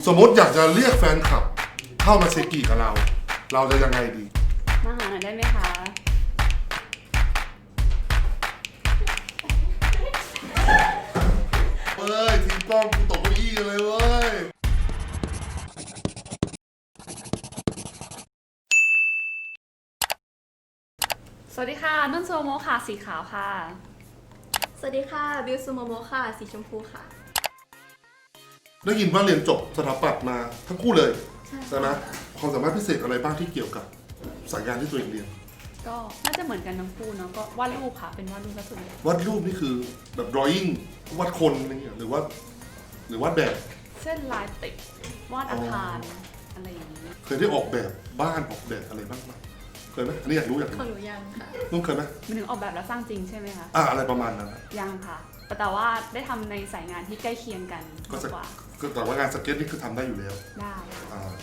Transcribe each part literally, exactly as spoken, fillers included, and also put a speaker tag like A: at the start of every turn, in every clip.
A: สมมติอยากจะเรียกแฟนคลับเข้ามาเซกิกับเรา เราจะยังไงดี
B: มาหาหน่อยได้ไหมคะ
A: เฮ้ยทีมกล้องกูตกเก้าอี้กันเลยเว้ย
B: สวัสดีค่ะนุ่นโซโมค่ะสีขาวค่ะ
C: สวัสดีค่ะบิวซูโมโมค่ะสีชมพูค่ะ
A: ได้ยินว่าเรียนจบสถาปัตย์มาทั้งคู่เลย
C: ใช่
A: ใช่ไหมความสามารถพิเศษอะไรบ้างที่เกี่ยวกับสายงานที่ตัวเองเรียน
B: ก็น่าจะเหมือนกันทั้งคู่เนาะก็วาดรูปค่ะเป็นวาดรูปซะส่วนใหญ่
A: วาดรูปนี่คือแบบ drawing วาดคนอะไรเงี้ยหรือว่า หรือวาดแบบ
B: เส้นลายติดวาดอาคารอะไรอย่างนี้
A: เคยได้ออกแบบบ้านออกแบบอะไรบ้างไหมเคยไหมอันนี้อยากรู้อยาก
C: ข
A: รู้
C: องหนูยังค่ะ
A: นุ่นเคยไหม
B: มันถึงออกแบบแล้วสร้างจริงใช่ไหมคะ
A: อ่าอะไรประมาณนั้นอะ
B: ยังค่ะ แต่ว่าได้ทำในสายงานที่ใกล้เคียงกัน
A: ก็
B: มาก
A: จะ
B: กว่า
A: คือแต่ว่างานสเก็ตนี่คือทำได้อยู่แล้ว
B: ได้
A: อ่า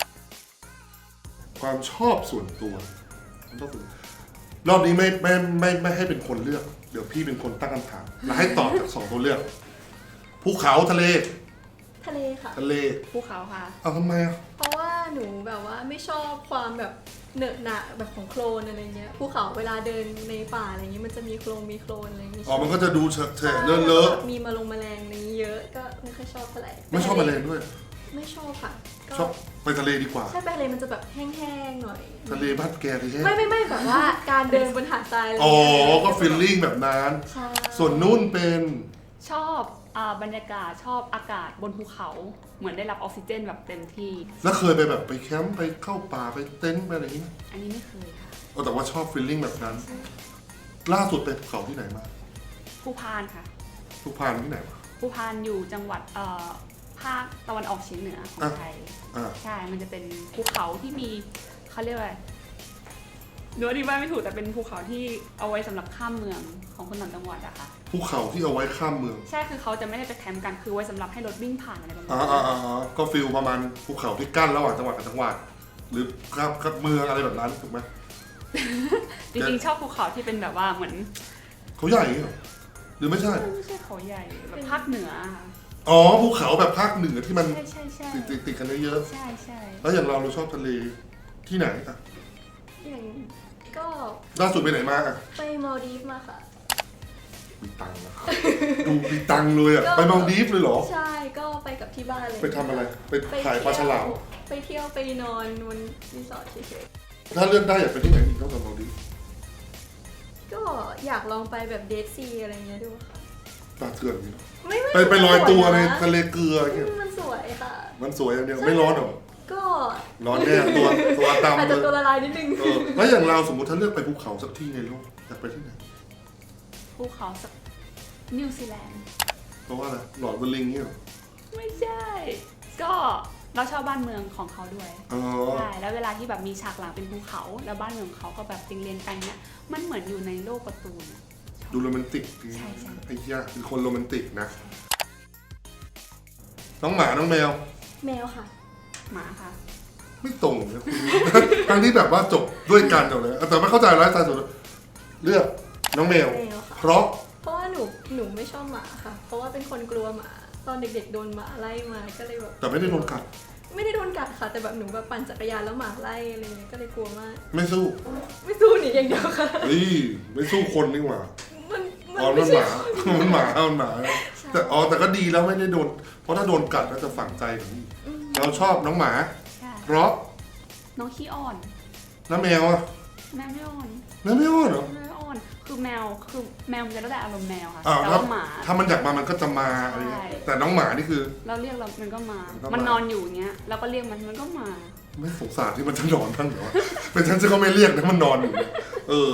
A: ความชอบส่วนตัวความชอบส่วนตัวรอบนี้ไม่ไม่ไม่ไม่ให้เป็นคนเลือก เดี๋ยวพี่เป็นคนตั้งคำถามแล้วให้ตอบจากสองตัวเลือกภูเขาทะเล
C: ทะเลค่ะ
A: ทะเล
B: ภูเขาค่ะ
A: เอาทำไมอ่ะ
C: เพราะว่าหนูแบบว่าไม่ชอบความแบบเหนอะหนะแบบของโคลนอะไรเงี้ยภูเขาเวลาเดินในป่าอะไรเงี้ยมันจะมีโคลนมีโคลนอะไรอย่างเงี้ย
A: อ๋อมันก็จะดูเฉอะ
C: ใช่
A: ๆเลอะเลอะ
C: มีมาลงแมลงอะไรเยอะก็ไม่ค่อยชอบเท่าไหร่
A: ไม่ชอบอะไรด้วย
C: ไม่ชอบค่ะก็
A: ชอบไปทะเลดีกว่า
C: ใช่ไปทะเลมันจะแบบแห้งๆหน่อย
A: ทะเลบ้านแกเลยใช่ไหม
C: ไม่ไม่ไม่แบบว่าการเดินบนหาดทรายอะไร
A: อ๋อ
C: เงี้ย
A: ก็ฟีลลิ่งแบบนั้น
C: ใช่
A: ส่วนนุ่นเป็น
B: ชอบอ่าบรรยากาศชอบอากาศบนภูเขาเหมือนได้รับออกซิเจนแบบเต็มที่
A: แล้วเคยไปแบบไปแคมป์ไปเข้าป่าไปเต็นท์ไปอะไรอย่างงี้ไหม
B: อันนี้ไม่เคยค่ะ
A: เออแต่ว่าชอบฟีลลิ่งแบบนั้น ล่าสุดไปภูเขาที่ไหนมา
B: ภูพานค่ะ
A: ทุกพานที่ไหนมา
B: ภูพานอยู่จังหวัดเอ่อภาคตะวันออกเฉียงเหนือของ
A: อ่ะ
B: ไทย
A: อ่า
B: ใช่ มันจะเป็นภูเขาที่มีเขาเรียกว่าอะไรหนูอธิบายไม่ถูกแต่เป็นภูเขาที่เอาไว้สำหรับข้ามเมืองของคนต่างจังหวัดอะค่ะ
A: ภูเขาที่เอาไว้ข้ามเมือง
B: ใช่ คือเขาจะไม่ได้ไปแคมป์กัน คือไว้สำหรับให้รถวิ่งผ่านอะไรประมาณ
A: อ่า
B: นี้
A: อ่าอ่าอ่าก็ฟิลประมาณภูเขาที่กั้นระหว่างจังหวัดกับจังหวัด หรือข้ามกับเมืองอะไรแบบนั้นถูกไหม
B: จริงๆชอบภูเขาที่เป็นแบบว่าเหมือน
A: เขาใหญ่เหรอหรือไม่ใช่
B: ไม่ใช่เขาใหญ่แบบภาคเหนืออะค่ะ
A: อ๋อภูเขาแบบภาคเหนือที่มัน
B: ใช่ใช่ใช่
A: ติดติดติดกันเยอะ
B: ใช่ใช่
A: ๆแล้วอย่างเราเราชอบทะเลที่ไหนอ่ะ
C: อย่างก็
A: ล่าสุดไปไหนมาอ่ะ
C: ไปมาลดีฟมาค่ะ
A: มีตังค์นะครับดูมีตังค์เลยอ่ะ
C: ก็
A: ไปมาลดีฟเลยเหรอ
C: ใช่ก็ไปกับที่บ้านเลย
A: ไปทำอะไร ไป
C: ไป
A: ถ่ายปลาฉลาม
C: ไปเที่ยวไปนอนบนรีสอร์ทเฉย
A: ถ้าเลือกได้อยากไปที่ไหนอีกนอกจากมาลดีฟ
C: ๆก็อยากลองไปแบบเดทซีอะไรเงี้ยดูค่ะ
A: ปลาเถื่อนนี่เนอะ
C: ไม่ไม่
A: ไปไปลอยตัวใน
C: ส
A: ทะเลเกลือ
C: วย
A: เงี้ย
C: นะมันสวยค่ะ
A: มันสวยอย่างเดียวไม่ร้อนเหรอ
C: ก็
A: ร้อนแน่ตัวตัวดำ
C: อาจ
A: เล
C: จะตัวย ละลายนิดนึง
A: เออแล้วอย่างเราสมมติถ้าเลือกไปภูเขาสักที่ในโลกอยากไปที่ไหน
B: ภูเขาสักนิวซีแลนด์
A: เพราะว่าอะไรหลอดเวอร์ลิงเนี่ยเหรอ
B: ไม่ใช่ ก็เราชอบบ้านเมืองของเขาด้วย
A: อ๋อ
B: ใช่ แล้วเวลาที่แบบมีฉากหลังเป็นภูเขา แล้วบ้านเมืองเขาก็แบบเรียงๆกันเนี่ย มันเหมือนอยู่ในโลกการ์ตูนอะ
A: ดูโรแมนติกดี
B: ใช่ใช่
A: ไอ้เหี้ยเป็นคนโรแมนติกนะ น้องหมาน้องแมว
C: แมวค่ะ
B: หมาค่ะ
A: ไม่ตรงนะคุณ ทั้งที่แบบว่าจบด้วยกันหมดเลยแต่ไม่เข้าใจไลฟ์สไตล์ส่วนตัวเลือกน้องแมว
C: แมวค่ะ
A: เพราะ
C: เพราะว่าหนูหนูไม่ชอบหมาค่ะ เพราะว่าเป็นคนกลัวหมา ตอนเด็กๆโดนหมาไล่มาก็เลยแบบ
A: แต่ไม่ได้โดนกัด
C: ไม่ได้โดนกัดค่ะ แต่แบบหนูแบบปั่นจักรยานแล้วหมาไล่อะไรเงี้ยก็เลยกลัวมาก
A: ไม่สู้
C: ไม่สู้หนีอย่างเดียวค่ะ
A: เฮ้ยไม่สู้คนนี่หว่า
C: มันมัน
A: อ๋อ
C: ไม่
A: มันห
C: ใช่
A: มา มันหมามันหมาแต่อ๋อแต่ก็ดีแล้วไม่ได้โดน เพราะถ้าโดนกัดก็จะฝังใจแบบนี้
C: อืม
A: เราชอบน้องหมา
B: ใช่
A: เพราะ
B: น้องขี้อ่อน
A: น้าแมวอะ
B: แมวไม่อ่อน
A: น้าแมวเหรอ
B: แมวไม่อ่อน คือแมว คือแมวมันจะแล้วแต่อารมณ์แมวค่ะ
A: อ่า
B: แต่
A: ถ้า
B: ว่าหมา
A: ถ้ามันอยากมามันก็จะมาอะไรเงี้ย
B: ใช่
A: แต่น้องหมานี่คือ
B: เราเรียกเรามันก็มา
A: มันก็มามั
B: มันนอนอยู่อย่างเงี้ย เราก็เรียกมัน มันก็มา
A: ไม่สงสารที่มันจะนอนบ้างเหรอวะ เป็นฉันจะก็ไม่เรียกนะมันนอนอยู่เนี่ยเออ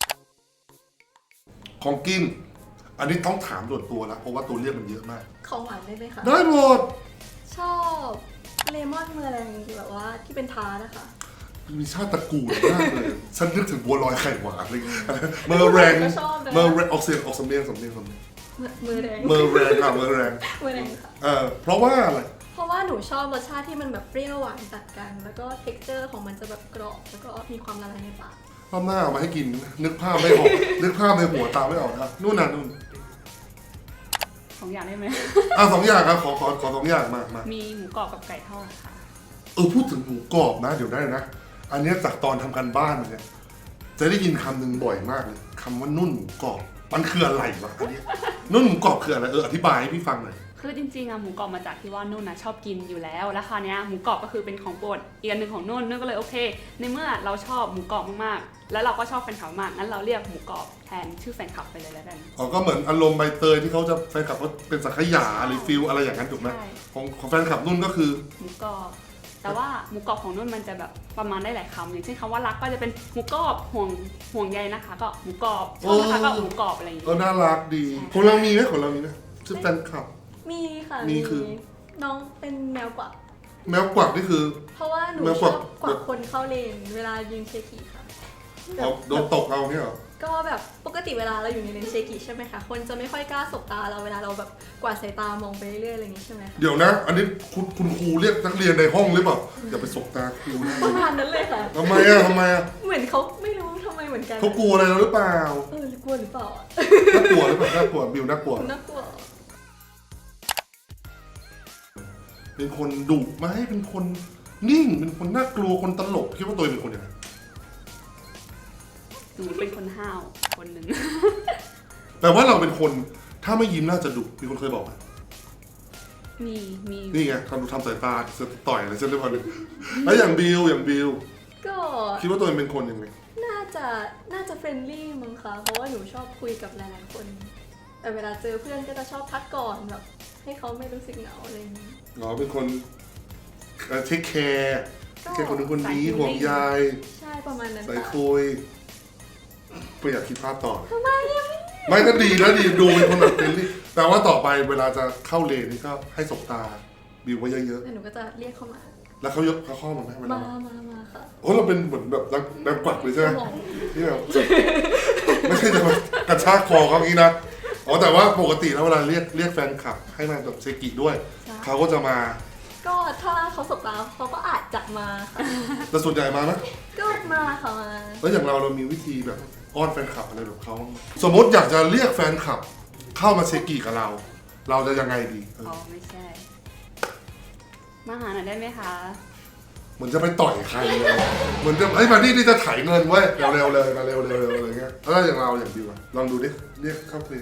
A: ของกิน อันนี้ต้องถามส่วนตัวแล้วเพราะว่าตัวเรียกมันเยอะมาก
C: ของหวานได้ไหมคะ
A: ได้หมด
C: ชอบเลมอนเมอร์แรงแบบว่าที่เป็นทาร์ตนะคะ
A: มีชาติตระกูลมากเลย ฉันนึกถึงบัวลอยไข่หวานเลยเมอร์แรง
C: ก็ชอบนะ
A: เมอร์แรงออกเสียงออกสำเนียงสำเนียงสำเนียง
C: เมอร์เมอร์แรง
A: เมอร์แรงค่ะเมอร์แรง
C: เมอร์แรงค่ะ
A: เออเพราะว่าอะไร
C: เพราะว่าหนูชอบรสชาติที่มันแบบเปรี้ยวหวานตัดกัน แล้วก็เท็กเจอร์ของมันจะแบบกรอบ แล้วก็มีความละลายในปาก
A: รอบหน้าเอามาให้กิน นึกภาพไม่ออก นึกภาพในหัวตามไม่ออกนะนู่นน่ะนู่น
B: สองอย่างได้ไหม
A: อ่ะสองอย่างครับขอขอขอสองอย่างมามา
B: มีหมูกรอบกับไก่ทอดค่ะ
A: เออพูดถึงหมูกรอบนะเดี๋ยวได้นะ อันเนี้ยจากตอนทำการบ้านมาเนี่ยจะได้ยินคำหนึ่งบ่อยมากเลยคำว่านุ่นหมูกรอบมันคืออะไรวะอันเนี้ยนุ่นหมูกรอบคืออะไรเอออธิบายให้พี่ฟังหน่อย
B: คือจริงๆอะหมูกรอบมาจากที่ว่านุ่นนะชอบกินอยู่แล้ว แล้วคราวเนี้ยหมูกรอบก็คือเป็นของโปรดอีกอันหนึ่งของนุ่นนุ่นก็เลยโอเค ในเมื่อเราชอบหมูกรอบมากๆ แล้วเราก็ชอบแฟนคลับมากงั้นเราเรียกหมูกรอบแทนชื่อแฟนคลับไปเลยแล้วกัน
A: อ๋อก็เหมือนอารมณ์ใบเตยที่เขาจะแฟนคลับเขาเป็นสังขยาหรือฟิลอะไรอย่างนั้นถูกไหม
B: ใช่
A: ของของแฟนคลับนุ่นก็คือ
B: หมูกรอบแต่ว่าหมูกรอบของนุ่นมันจะแบบประมาณได้หลายคำอย่างเช่นคำว่ารักก็จะเป็นหมูกรอบห่วงห่วงใยนะคะก็หมูกรอบชอบนะคะก็หมูกรอบอะไรอย่าง
A: ก็
B: เงี้ย
A: น่ารักดีของเรามีไหมของเรามีไหมชื่อแฟนคลับ
C: มีค่ะ
A: มีคือ
C: น้องเป็นแมวกวัก
A: แมวกวักนี่คือ
C: เพราะว่าหนู
A: แมว
C: ช
A: กวั
C: อก บกวักคนเข้าเลนเวลายิงเชกิค่ะแบ
A: เอา
C: บ
A: โดนตกเอาเนี่ยเหรอ
C: ก็แบบปกติเวลาเราอยู่ในเลนเชกิใช่ไหมคะคนจะไม่ค่อยกล้าสบตาเราเวลาเราแบบกวาดสายตามองไปเรื่อยๆอะไรอย่างนี้ใช่ไหมคะ
A: เดี๋ยวนะ อันนี้คุณคุณครูเรียกนักเรียนในห้องหรือเปล่าอย่าไปสบตาครูนะ
C: ประมาณนั้นเลยค่ะ
A: ทำไมอะทำไมอะ
C: เหมือนเขาไม่รู้ทำไมเหมือนกัน
A: เขากลัวอะไรเราหรือเปล่า
C: เออกลัวหรือเปล่าอ่ะ
A: น่ากลัวหรือเปล่าน่ากลัวบิวน่ากลัว
C: น่ากลัว
A: เป็นคนดุไหมเป็นคนนิ่งเป็นคนน่ากลัวคนตลกคิดว่าตัวเองเป็นคนยังไง
B: หนูเป็นคนห้าวคนหนึ่ง
A: แปลว่าเราเป็นคนถ้าไม่ยิ้มน่าจะดุมีคนเคยบอกไหม
B: มีมี
A: นี่ไงทำทำสายตาจะต่อยอะไรเช่นเรื่องนึงแล้วอย่างบิวอย่างบิว
C: ก็
A: คิดว่าตัวเองเป็นคนยังไง
C: น่าจะน่าจะเฟรนลี่มั้งคะเพราะว่าหนูชอบคุยกับหลายๆคน แต่เวลาเจอเพื่อนก็จะชอบพักก่อนแบบให้เขาไม่รู้สึกเหงาอะไรอย่างนี้
A: อ๋อเป็นคนเทคแคร์
C: ก็
A: แค่คนนึงคนนี้ห่วงใย
C: ใช่ประมาณนั้น
A: ใส่
C: ค่ะ
A: คุยไม่อยากคิดภาพต่อ
C: ทำไมอะ
A: ไม่ก็ดีนะดีดูเป็นคนแบบเฟรนลี่แต่ว่าต่อไปเวลาจะเข้าเลนนี่ก็ให้สบตาบิวไว้เยอะ
C: แล้วหนูก็จะเรียกเขามา
A: ๆแล้วเขายกเขาเข้ามาไหมเวลา
C: มามามาค่ะ
A: โอ้เราเป็นเหมือนแบบนักแบบกวักเลยใช่ไหม
C: สมอง
A: ที่แบบไม่ใช่จะมากระชากคอเขาอย่างนี้นะอ๋อแต่ว่าปกติแล้วเวลาเรียกเรียกแฟนคลับให้มาแบบเซกิด้วยเขาก็จะมา
C: ก็ถ้าเขาสบตาเขาก็อาจจะมาค่ะ
A: แต่ส่วนใหญ่มานะ
C: ก็มาค่ะมา
A: แล้วอย่างเราเรามีวิธีแบบอ้อนแฟนคลับอะไรแบบเขาบ้างไหมสมมติอยากจะเรียกแฟนคลับ เข้ามาเซกิกับเรา เราจะยังไงดีเออ
B: อ๋อไม่ใช่ มาหาหน่อยได้ไหมคะ
A: เหมือนจะไปต่อยใครเลยเหมือนจะเฮ้ยมาที่นี่จะไถ่ายเงินเว้ยเร็วๆเลยมาเร็วๆเลยอะไรเงี้ยแล้วอย่างเราอย่างดิวอะลองดูดิเรียกเข้าเพลง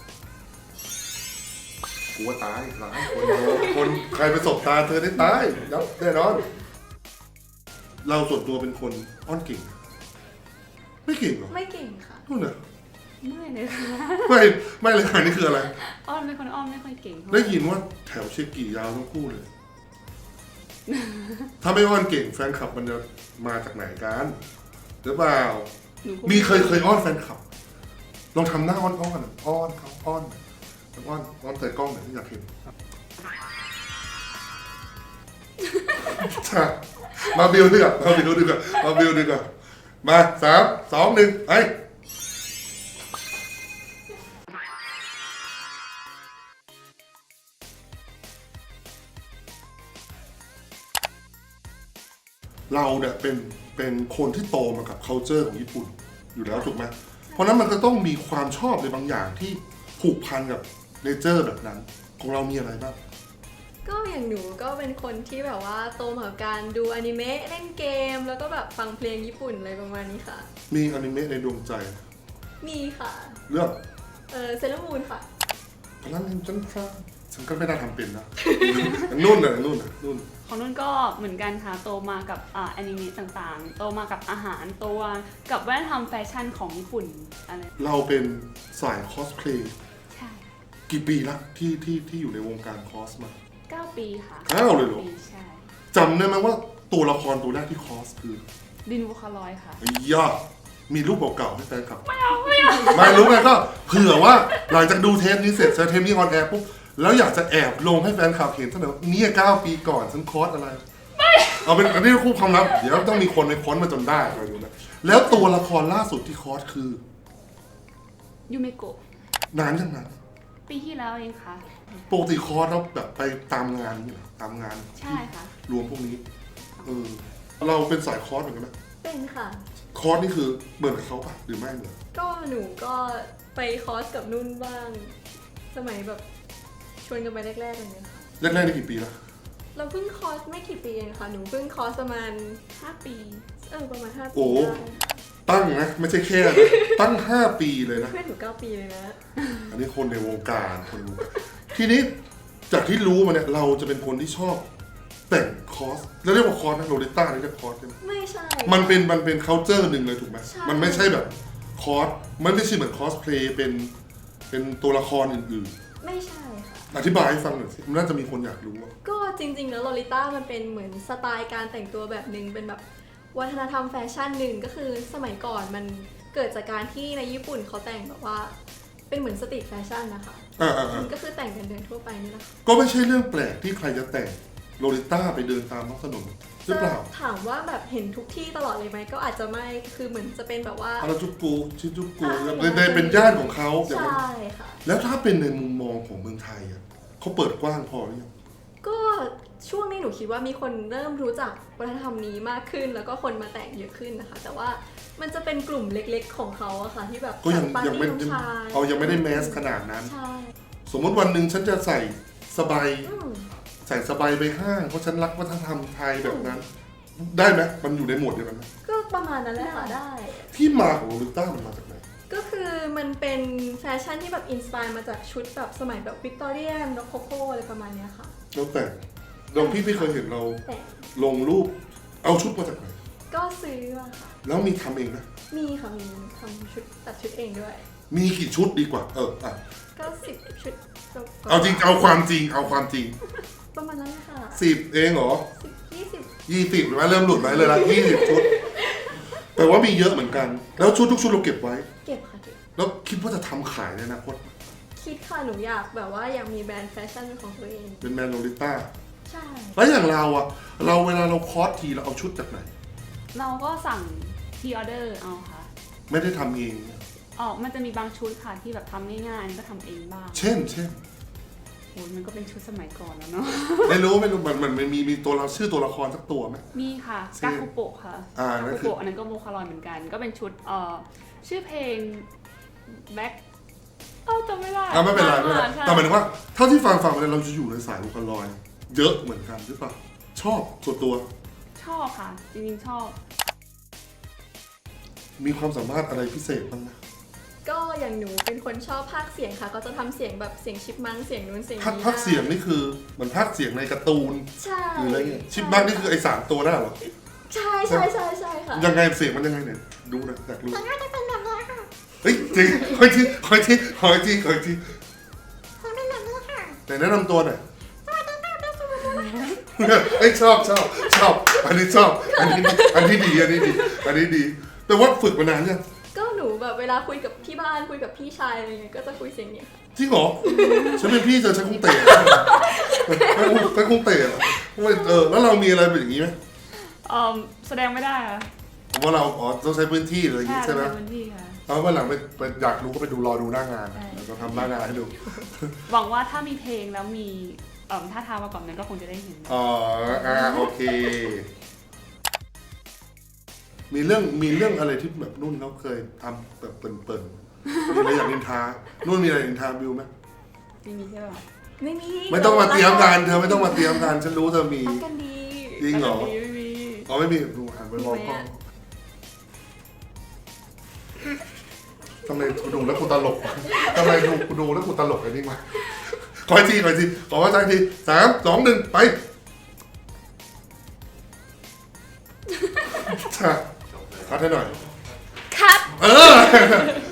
A: กูว่าตายหลายคนคนใครไปสบตาเธอได้ตายยับแน่นอน เราส่วนตัวเป็นคนอ้อนเก่ง ไม่เก่งหรอ
C: ไม่เก่งค่ะ
A: นู่นน่ะ
B: ไม่เลยค่ะ
A: ไม่ไม่เลยค่ะนี่คืออะไร
B: อ้อนเป็นคนอ้อนไม่ค่อยเก่งเท่าหร่
A: ได้ยินว่าแถวเชกิยาวทั้งคู่เลย ถ้าไม่อ้อนเก่งแฟนคลับมันจะมาจากไหนกันหรือเปล่า
B: หนูก็
A: มีเคยเคยอ้อนแฟนคลับ ลองทำหน้าอ้อนอ้อนๆอ้อนเขาอ้อนอ้อนอ้อนใส่กล้องหน่อยที่อยากเห็นจ้ะมาบิวดีกว่ามาบิวดีกว่ามาบิวดีกว่ามาสามสองหนึ่งไอเราเนี่ยเป็นเป็นคนที่โตมากับ culture ของญี่ปุ่นอยู่แล้วถูกไหมเพราะนั้นมันก็ต้องมีความชอบในบางอย่างที่ผูกพันกับเนเจอร์แบบนั้น ของเรามีอะไรบ้าง
C: ก็อย่างหนูก็เป็นคนที่แบบว่าโตมากับการดูอนิเมะเล่นเกม แล้วก็แบบฟังเพลงญี่ปุ่นอะไรประมาณนี้ค่ะ
A: มีอนิเมะในดวงใจ
C: มีค่ะ
A: เรื่อง
C: เออเซเลอร์มูนค่ะ
A: พลังแห่งจันทราฉันก็ไม่ได้ทำเป็นนะ นุ่นน่ะนุ่นน่ะนุ่น
B: ของนุ่นก็เหมือนกันค่ะโตมากับอ่าแอนิเมะต่างๆ โตมากับอาหารโตมากับวัฒนธรรมแฟชั่นของญี่ปุ่นอะไร
A: เราเป็นสายคอสเพลย์
B: ใช่
A: กี่ปีละที่ที่ที่อยู่ในวงการคอสมา
B: เก้าปีค่ะ
A: เก้าเลยเหรอ
B: ปีใช่
A: จำได้ไหมว่าตัวละครตัวแรกที่คอสคือ
B: ดินวูคาลอยค่ะ
A: ไอ้ย่ามีรูปเก่าๆให้แฟนคลับ ไม่เอาไม่เอาไม่รู้ไงก็เผื่อว่าหลังจากดูเทปนี้เสร็จเทปนี้ออนแอร์ปุ๊บแล้วอยากจะแอบลงให้แฟนคลับเห็นซะหน่อยว่าเนี่ยเก้าปีก่อนฉันคอสอะไรเอาเป็นอันนี้คู่ความลับเดี๋ยวต้องมีคนไปค้นมาจนได้ไปดูนะแล้วตัวละครล่าสุดที่คอสคือ
B: ยูเมโกะ
A: นานยังนั้น
B: ปีที่แล้วเองค่ะ
A: ปกติคอร์สเราแบบไปตามงานนี่เหรอตามงาน
B: ใช่ค่ะ
A: รวมพวกนี้เออเราเป็นสายคอร์สเหมือนกันไหม
C: เป็นค่ะ
A: คอร์สนี่คือเหมือนกับเขาปะหรือไม่เหมือน
C: ก็หนูก็ไปคอร์สกับนุ่นบ้าง สมัยแบบชวนกันไปแรกๆอะไรเงี้ยค่ะ
A: แรกๆนี่กี่ปีแล้ว
C: เราเพิ่งคอร์สไม่กี่ปีเองค่ะหนูเพิ่งคอร์สประมาณ
B: ห้าปี
C: เออประมาณห้าปี
A: โอ้
C: ได้
A: ตั้งนะไม่ใช่แค่นะตั้งห้าปีเลยนะ
C: เพื่อนหนูเก้าปีเลยนะ
A: อันนี้คนในวงการคนรู้ทีนี้จากที่รู้มาเนี่ยเราจะเป็นคนที่ชอบแต่งคอสแล้วเรียกว่าคอสนะโรลิต้านี่เรียกคอสใช่ไหม
C: ไม่ใช่
A: มันเป็นมันเป็น culture หนึ่งเลยถูกไหม
C: ใช่
A: มันไม่ใช่แบบคอสมันไม่ใช่เหมือนคอสเพลย์เป็นเป็นตัวละครอื่น
C: ไม่ใช่ค่ะ
A: ๆ อธิบายให้ฟังหน่อยสิมันน่าจะมีคนอยากรู้อะ
C: ก็จริงๆแล้วโลลิต้ามันเป็นเหมือนสไตล์การแต่งตัวแบบหนึ่งเป็นแบบวัฒนธรรมแฟชั่นหนึ่งก็คือสมัยก่อนมันเกิดจากการที่ในญี่ปุ่นเขาแต่งแบบว่าเป็นเหมือนสตรีทแฟชั่นนะคะ
A: อ่าอ่าอ่า
C: ก็คือแต่งกันเดินทั่วไปนี่แหละค่ะ
A: ก็ไม่ใช่เรื่องแปลกที่ใครจะแต่งโรลิต้าไปเดินตามท้องถนนหรือเปล่า
C: ถามว่าแบบเห็นทุกที่ตลอดเลยไหมก็อาจจะไม่คือเหมือนจะเป็นแบบว่า
A: ฮาราจูกุชินจูกุ
C: อ่า
A: ในในเป็นย่านของเขาอย่างนั้น
C: ใช่ค่ะ
A: แล้วถ้าเป็นในมุมมองของเมืองไทยอะเขาเปิดกว้างพอหรือยัง
C: ก็ช่วงนี้หนูคิดว่ามีคนเริ่มรู้จักวัฒนธรรมนี้มากขึ้น แล้วก็คนมาแต่งเยอะขึ้นนะคะ แต่ว่ามันจะเป็นกลุ่มเล็กๆของเขาอะค่ะที่แบบ
A: ก็ยัง
C: ปาร์
A: ยัง
C: ตี้
A: ไม่
C: น้องชาย
A: เอายังไม่ได้แมสขนาดนั้น
C: ใช่
A: สมมติวันหนึ่งฉันจะใส่สบาย
C: อืม
A: ใส่สบายไปห้างเพราะฉันรักวัฒนธรรมไทยแบบนั้น ได้ไหมมันอยู่ในหมวดเดียวกันไหม
C: ก็ประมาณนั้นแหละค่ะได้
A: ที่มาของโรลิต้ามันมาจากไหน
C: ก็คือมันเป็นแฟชั่นที่แบบอินสปายมาจากชุดแบบสมัยแบบวิกตอเรียนโรโคโคอะไรประมาณเนี้ยค่ะ
A: เราแต่งเราพี่พี่เคยเห็นเรา
C: แต่
A: ลงรูปเอาชุดมาจากไหน
C: ก็ซื้อมาค่ะ
A: แล้วมีทำเองไหม
C: มีค่ะมีทำชุดตัดชุดเองด้วย
A: มีกี่ชุดดีกว่า เอออ่ะ
C: ก็สิบชุดก็
A: เอาจริงเอาความจริงเอาความจริง
C: ประมาณนั้นค่ะ
A: สิบเองเหรอ
C: สิบยี่สิบ
A: ยี่สิบหรือว่าเริ่มหลุดไปเลยละยี่สิบชุดแต่ว่ามีเยอะเหมือนกัน แล้วชุดทุกชุดเราเก็บไว้
C: เก็บค่ะเก็บ
A: แล้วคิดว่าจะทำขายในอนาคต
C: คิดค่ะหนูอยากแบบว่าอยากมีแบรนด์แฟชั่นเป็นของตัวเอง
A: เป็นแมนโรลิต้า
C: ใช่
A: แล้วอย่างเราอะเราเวลาเราคอสทีเราเอาชุดจากไหน
B: เราก็สั่งพีออเดอร์เอาค่ะ
A: ไม่ได้ทำเอง
B: ออกมันจะมีบางชุดค่ะที่แบบทำง่ายๆก็ทำเองบ้าง
A: เช่น เช่น
B: โอ้ยมันก็เป็นชุดสมัยก่อนแล้วเนาะ
A: ไม่รู้ไม่รู้มันมันมันมีมีตัวเราชื่อตัวละครสักตัวไหม
B: มีค่ะ
A: ชื่
B: กา
A: อ
B: คุโปะค่ะ
A: อ่าก
B: า
A: นั่น
B: คุ
A: คือ
B: โปะอันนั้นก็โมคารอยเหมือนกัน ก็เป็นชุดเอ่อชื่อเพลงแบ็คเอ้าจำไม่ได้
A: อ่าไม่เป็นไรไม่เป็นไร
B: ใช่
A: แต่หมายถึงว่าเท่าที่ฟังฟังมาเนี่ยเราจะอยู่ในสายลูกลอย เยอะเหมือนกันหรือเปล่าชอบส่วนตัว
B: ชอบค่ะ จริงๆชอบ
A: มีความสามารถอะไรพิเศษบ้างไหม
C: ก็อย่างหนูเป็นคนชอบพากย์เสียงค่ะ ก็จะทำเสียงแบบเสียงชิปมังเสียงนู้นเสียง
A: พัก
C: นี้
A: พักเสียงนี่คือเหมือนพักเสียงในการ์ตูน
C: ใช่
A: หรืออะไรเงี้ยชิปบ้างนี่คือไอ้สามตัวนั่นเหรอ
C: ใช่ใช่ใช่ใช่ค่ะ
A: ยังไงเสียงมันยังไงเนี่ยดูหนะอยากรู้
C: มันก็จะเป็นแบบนี้ค่ะ
A: เฮ้ยจริงคอยทีคอยทีคอยทีคอยที
C: มันเป็นแบบนี้ค่ะ
A: ไหนแนะนำตัวหน่อยเอ้ยชอบชอบชอบอันนี้ชอบอันนี้อันนี้ดีอันนี้ดีอันนี้ดี แต่ว่าฝึกมานานยัง
C: ก็หนูแบบเวลาคุยกับที่บ้านคุยกับพี่ชายอะไรเงี้ยก็จะคุยเสียงเนี้ยค่ะ
A: จริงเหรอฉันเป็นพี่เธอฉันคงเตะฉันคงฉันคงเตะอะเออแล้วเรามีอะไรเป็นอย่างนี้ไหม
B: เอ่อแสดงไม่ได้ค่ะ
A: ผมว่าเราอ๋อต้องใช้พื้นที่อะไรอย่าง
B: ใช่
A: งี้ใช่ไหม
B: ในพื้นที่ค่ะ
A: เอาวันหลังไปไปอยากรู้ก็ไปดูรอดูหน้างาน
B: ใช่
A: แล้วก็ทำหน้างานให้ดู
B: หวังว่าถ้ามีเพลงแล้วมีเอ่อท่าทางมาก่อนนั้นก็คงจะได้เห็น
A: อ๋ออ่าโอเค มีเรื่องมีเรื่องอะไรที่แบบนุ่นเขาเคยทำแบบเปิ่นๆมีอะไรอยากนินทานุ่นมีอะไรนินทาบิวไหม
B: ไม่มีใช่ป่ะ
C: ไม่มี
A: ไม่ต้องมาเตรียมกันเธอไม่ต้องมาเตรียมกันฉันรู้เธอมี
C: รักกันดี
A: จริงเหรอ
B: ไม่มี
A: อ๋อไม่มีดูหันไปมองกล้องทำไมกูดูแล้วกูตลกวะทำไมดูกูดูแล้วกูตลกไอ้นี่วะขออีกทีขออีกทีขอว่าใจทีสามสองหนึ่งไปค่ะคัดให้หน่อย
B: คัด
A: เออ